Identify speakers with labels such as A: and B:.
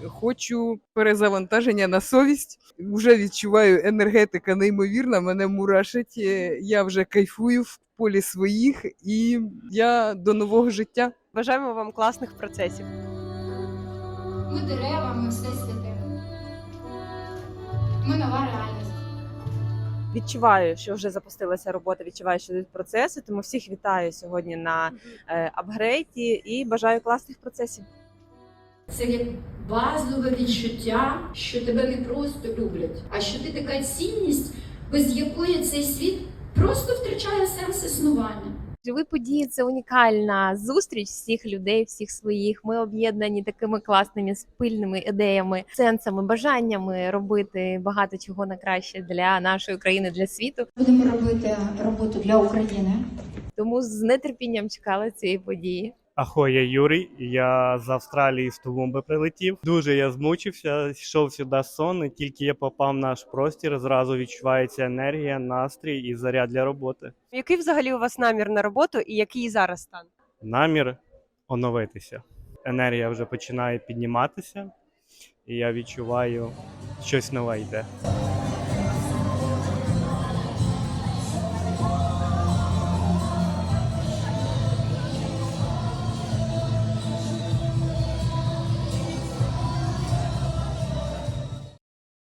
A: хочу перезавантаження на совість. Вже відчуваю, енергетика неймовірна, мене мурашить. Я вже кайфую в полі своїх і я до нового життя.
B: Бажаємо вам класних процесів.
C: Ми дерева, ми всесвіти. Ми нова реальність.
B: Відчуваю, що вже запустилася робота, відчуваю, що йдуть процеси, тому всіх вітаю сьогодні на апгрейді і бажаю класних процесів.
D: Це як базове відчуття, що тебе не просто люблять, а що ти така цінність, без якої цей світ просто втрачає сенс існування.
E: Живі події – це унікальна зустріч всіх людей, всіх своїх. Ми об'єднані такими класними спільними ідеями, сенсами, бажаннями робити багато чого на краще для нашої країни, для світу.
C: Будемо робити роботу для України.
E: Тому з нетерпінням чекала цієї події.
F: Ахо, я Юрій, я з Австралії з Тулумби прилетів. Дуже я змучився, йшов сюди сон, і тільки я попав в наш простір, зразу відчувається енергія, настрій і заряд для роботи.
B: Який взагалі у вас намір на роботу і який зараз стан?
F: Намір оновитися. Енергія вже починає підніматися, і я відчуваю, щось нове йде.